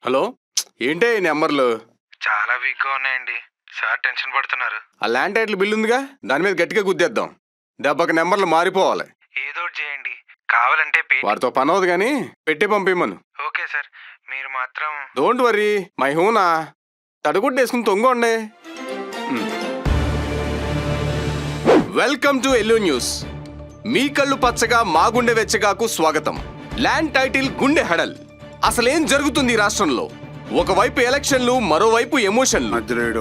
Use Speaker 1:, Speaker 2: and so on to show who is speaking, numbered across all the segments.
Speaker 1: Hello, ఏంటే ఈ నెంబర్లు?
Speaker 2: చాలా వీక్గా ఉన్నాయండి సార్, టెన్షన్ పడుతున్నారు.
Speaker 1: ఆ ల్యాండ్ టైటిల్ బిల్ ఉందిగా, దాని మీద గట్టిగా గుద్దేద్దాం. దెబ్బకి నెంబర్లు మారిపోవాలి.
Speaker 2: ఏదో ఒకటి చేయండి, కావాలంటే
Speaker 1: వాడితో పని అవదు కానీ పెట్టి పంపిమ్మను.
Speaker 2: ఓకే సార్, మీరు మాత్రం
Speaker 1: డోంట్ వరీ, మై హూనా. తడుగుడ్డేసుకుని తొంగండి. Welcome to yellow news. మీ కళ్ళు పచ్చగా మా గుండె వెచ్చగాకు స్వాగతం. ల్యాండ్ టైటిల్ గుండె హడల్. అసలేం జరుగుతుంది ఈ రాష్ట్రంలో? ఒకవైపు ఎలక్షన్లు, మరోవైపు ఎమోషన్లు.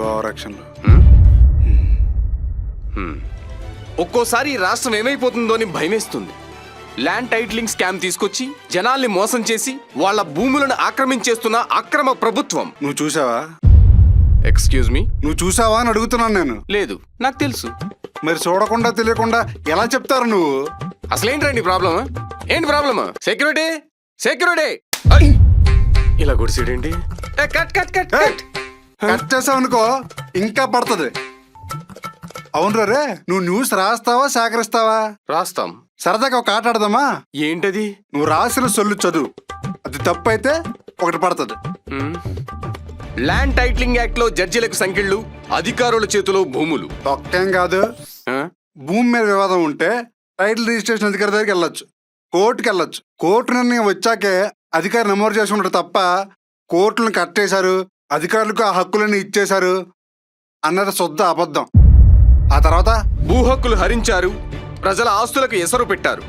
Speaker 1: ఒక్కోసారి ఈ రాష్ట్రం ఏమైపోతుందో అని భయమేస్తుంది. ల్యాండ్ టైటిలింగ్ స్కామ్ తీసుకొచ్చి జనాల్ని మోసం చేసి వాళ్ళ భూములను ఆక్రమించేస్తున్న అక్రమ ప్రభుత్వం.
Speaker 3: నువ్వు చూసావా?
Speaker 1: ఎక్స్క్యూజ్ మీ,
Speaker 3: నువ్వు చూసావా అని అడుగుతున్నాను నేను.
Speaker 1: లేదు, నాకు తెలుసు.
Speaker 3: మరి చూడకుండా తెలియకుండా ఎలా చెప్తారు నువ్వు?
Speaker 1: అసలేంటండి ప్రాబ్లమ్? ఏంటి ప్రాబ్లమ్? Security, security! ఇలా గుడిసేడేంటి? Cut cut cut cut
Speaker 3: cut చేసావు అనుకో ఇంకా పడుతుంది. అవును రే, నువ్వు న్యూస్ రాస్తావా సేకరిస్తావా?
Speaker 1: రాస్తాం.
Speaker 3: సరదాగా ఒక ఆట ఆడదామా?
Speaker 1: ఏంటది?
Speaker 3: నువ్వు రాసిన సొల్లు చదువు, అది తప్పు అయితే ఒకటి పడుతుంది.
Speaker 1: ల్యాండ్ టైటిలింగ్ యాక్ట్ లో జడ్జిలకు సంఖ్యలు, అధికారుల చేతిలో భూములు.
Speaker 3: ఒక్కేం కాదు, భూమి మీద వివాదం ఉంటే టైటిల్ రిజిస్ట్రేషన్ అధికారి దగ్గరికి వెళ్ళొచ్చు, కోర్టుకి వెళ్ళొచ్చు. కోర్టు నిర్ణయం వచ్చాకే అధికారి నమోదు చేసుకుంటారు తప్ప కోర్టులను కట్టేశారు, అధికారులకు ఆ హక్కులను ఇచ్చేశారు అన్నది శుద్ధ అబద్ధం. ఆ తర్వాత
Speaker 1: భూ హక్కులు హరించారు, ప్రజల ఆస్తులకు ఎసరు పెట్టారు.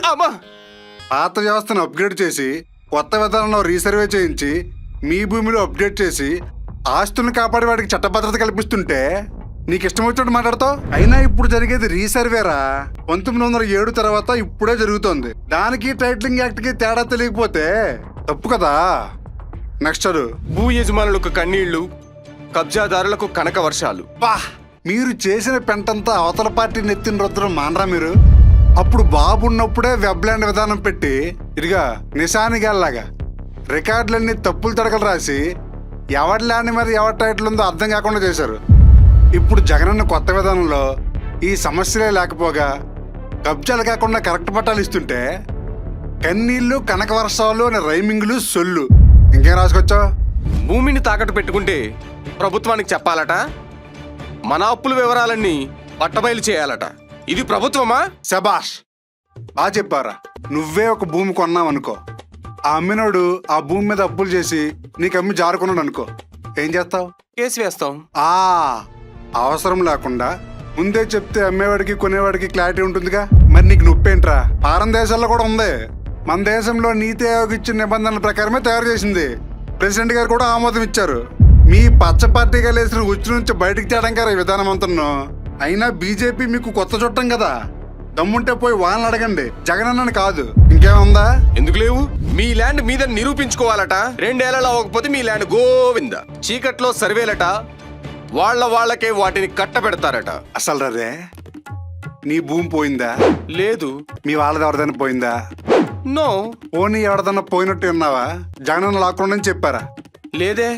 Speaker 3: పాత వ్యవస్థను అప్గ్రేడ్ చేసి కొత్త విధానంలో రీసర్వే చేయించి మీ భూమిలో అప్డేట్ చేసి ఆస్తులను కాపాడే వాడికి చట్టభద్రత కల్పిస్తుంటే నీకు ఇష్టం వచ్చినట్టు మాట్లాడతావు. అయినా ఇప్పుడు జరిగేది రీసర్వేరా. 1907 తర్వాత ఇప్పుడే జరుగుతోంది. దానికి టైటిలింగ్ యాక్ట్ కి తేడా తెలియకపోతే తప్పు కదా. నెక్స్ట్
Speaker 1: భూ యజమానులకు కన్నీళ్లు, కబ్జాదారులకు కనక వర్షాలు.
Speaker 3: బా, మీరు చేసిన పెంటంతా అవతల పార్టీ నెత్తిన రుద్రం మానరా మీరు? అప్పుడు బాబు ఉన్నప్పుడే వెబ్ ల్యాండ్ విధానం పెట్టి ఇదిగా నిశానిగాల్లాగా రికార్డులన్నీ తప్పులు తడకలు రాసి ఎవరి ల్యాండ్ మీద ఎవరి టైటిల్ ఉందో అర్థం కాకుండా చేశారు. ఇప్పుడు జగనన్న కొత్త విధానంలో ఈ సమస్యలే లేకపోగా కబ్జాలు కాకుండా కరెక్ట్ పట్టాలు ఇస్తుంటే కన్నీళ్లు, కనక వర్షాలు అనే రైమింగ్లు, సొల్లు ఇంకేం రాసుకొచ్చావు?
Speaker 1: భూమిని తాకట్టు పెట్టుకుంటే ప్రభుత్వానికి చెప్పాలట, మన అప్పుల వివరాలన్నీ పట్టబయలు చేయాలట. ఇది ప్రభుత్వమా?
Speaker 3: శబాష్, బాగా చెప్పారా. నువ్వే ఒక భూమి కొన్నావనుకో, ఆ అమ్మినోడు ఆ భూమి మీద అప్పులు చేసి నీకు అమ్మి జారుకున్నాడు అనుకో, ఏం చేస్తావు?
Speaker 1: కేసు వేస్తాం.
Speaker 3: అవసరం లేకుండా ముందే చెప్తే అమ్మేవాడికి కొనేవాడికి క్లారిటీ ఉంటుందిగా. మరి నీకు నొప్పేంట్రా? ఫారెన్ దేశాల్లో కూడా ఉంది. మన దేశంలో నీతి ఆయోగ్ ఇచ్చిన నిబంధనల ప్రకారమే తయారు చేసింది. ప్రెసిడెంట్ గారు కూడా ఆమోదం ఇచ్చారు. మీ పచ్చ పార్టీగా లేసిన ఉచ్చు నుంచి బయటికి తేడం గారు ఈ విధానం అంతా. అయినా బీజేపీ మీకు కొత్త చుట్టం కదా, దమ్ముంటే పోయి వాళ్ళని అడగండి, జగనన్నని కాదు. ఇంకేముందా?
Speaker 1: ఎందుకు లేవు? మీ ల్యాండ్ మీద నిరూపించుకోవాలట. 2 ఏళ్లలో అవ్వకపోతే మీ ల్యాండ్ గోవింద. చీకట్లో సర్వేలట, వాళ్ళకే వాటిని కట్టబెడతారట.
Speaker 3: అసలు రే, నీ భూమి పోయిందా?
Speaker 1: లేదు.
Speaker 3: మీ వాళ్ళది ఎవరిదైనా పోయిందా?
Speaker 1: నో.
Speaker 3: పోనీ ఎవరిదన్నా పోయినట్టు ఉన్నావా? జగనన్న లాక్కుండా చెప్పారా?
Speaker 1: లేదే.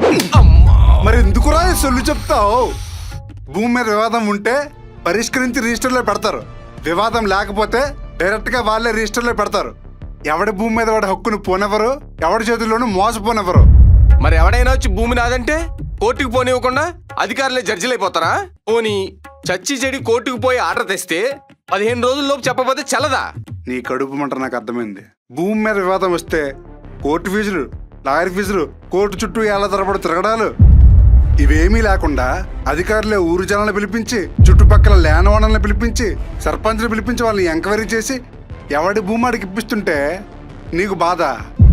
Speaker 3: మరి ఎందుకురా సొల్లు చెప్తావు? భూమి మీద వివాదం ఉంటే పరిష్కరించి రిజిస్టర్లో పెడతారు, వివాదం లేకపోతే డైరెక్ట్ గా వాళ్ళే రిజిస్టర్లో పెడతారు. ఎవడి భూమి మీద వాడి హక్కును పోనెవరు, ఎవడి చేతుల్లోనూ మోసపోనెవరు.
Speaker 1: మరి ఎవడైనా వచ్చి భూమి నాదంటే కోర్టుకు పోనివ్వకుండా అధికారులే జడ్జిలు అయిపోతారా? పోనీ చచ్చి చెడి కోర్టుకు పోయి ఆర్డర్ తెస్తే 15 రోజుల్లోపు చెప్పకపోతే చల్లదా?
Speaker 3: నీ కడుపు మంట నాకు అర్థమైంది. భూమి మీద వివాదం వస్తే కోర్టు ఫీజులు, లాయర్ ఫీజులు, కోర్టు చుట్టూ ఏళ్ల తరబడి తిరగడాలు, ఇవేమీ లేకుండా అధికారులే ఊరు జనాలను పిలిపించి, చుట్టుపక్కల ల్యాండ్ ఓనర్లను పిలిపించి, సర్పంచ్ని పిలిపించి వాళ్ళని ఎంక్వైరీ చేసి ఎవడి భూమి ఆడికి ఇప్పిస్తుంటే నీకు బాధ.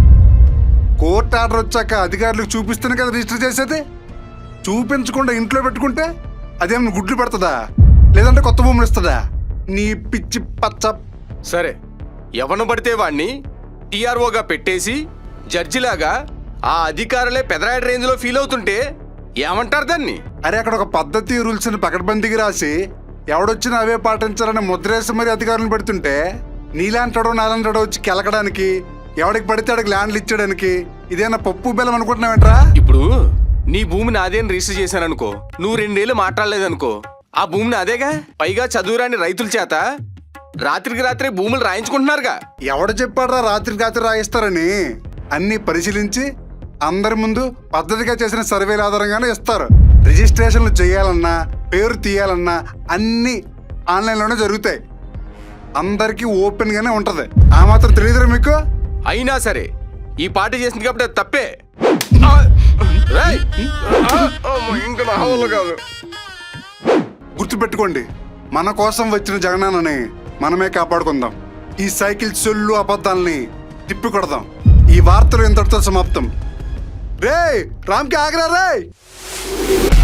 Speaker 3: కోర్టు ఆర్డర్ వచ్చాక అధికారులకు చూపిస్తేనే కదా రిజిస్టర్ చేసేది. చూపించకుండా ఇంట్లో పెట్టుకుంటే అదేమన్నా గుడ్లు పెడుతుందా, లేదంటే కొత్త భూములు ఇస్తుందా? నీ పిచ్చి పచ్చ.
Speaker 1: సరే, ఎవను పడితే వాణ్ణి టీఆర్ఓగా పెట్టేసి జడ్జిలాగా ఆ అధికారులే పెదరాయడ రేంజ్ లో ఫీల్ అవుతుంటే ఏమంటారు దాన్ని?
Speaker 3: అరే, అక్కడ ఒక పద్ధతి రూల్స్ ని పకడ్బందీకి రాసి ఎవడొచ్చినా అవే పాటించాలని ముద్రేసి మరి అధికారులను పెడుతుంటే నీలాంటాడో నాలంటాడో వచ్చి కెలకడానికి, ఎవడికి పడితే అడికి ల్యాండ్లు ఇచ్చడానికి ఇదేనా పప్పు బెల్లం అనుకుంటున్నావేంట్రా?
Speaker 1: ఇప్పుడు నీ భూమి నాదేని రిజిస్టర్ చేశాననుకో, నువ్వు 2 ఏళ్ళు మాట్లాడలేదనుకో, ఆ భూమిని అదేగా. పైగా చదువురాని రైతుల చేత రాత్రికి రాత్రే భూములు రాయించుకుంటున్నారుగా.
Speaker 3: ఎవడు చెప్పాడ్రా రాత్రికి రాత్రి రాయిస్తారని? అన్ని పరిశీలించి అందరి ముందు పద్ధతిగా చేసిన సర్వేల ఆధారంగానే ఇస్తారు. రిజిస్ట్రేషన్లు చేయాలన్నా పేరు తీయాలన్నా అన్నీ ఆన్లైన్లోనే జరుగుతాయి. అందరికీ ఓపెన్గానే ఉంటది. ఆ మాత్రం తెలియదురా మీకు?
Speaker 1: అయినా సరే ఈ పార్టీ చేసింది కాబట్టి అది తప్పే. రేయ్! ఇంకా నా వల్ల కాదు.
Speaker 3: గుర్తుపెట్టుకోండి, మన కోసం వచ్చిన జగనాన్నని మనమే కాపాడుకుందాం. ఈ సైకిల్ సొల్లు అబద్ధాలని తిప్పి కొడదాం. ఈ వార్తలు ఇంతటితో సమాప్తం. రేయ్, రామ్కి ఆగరా రేయ్.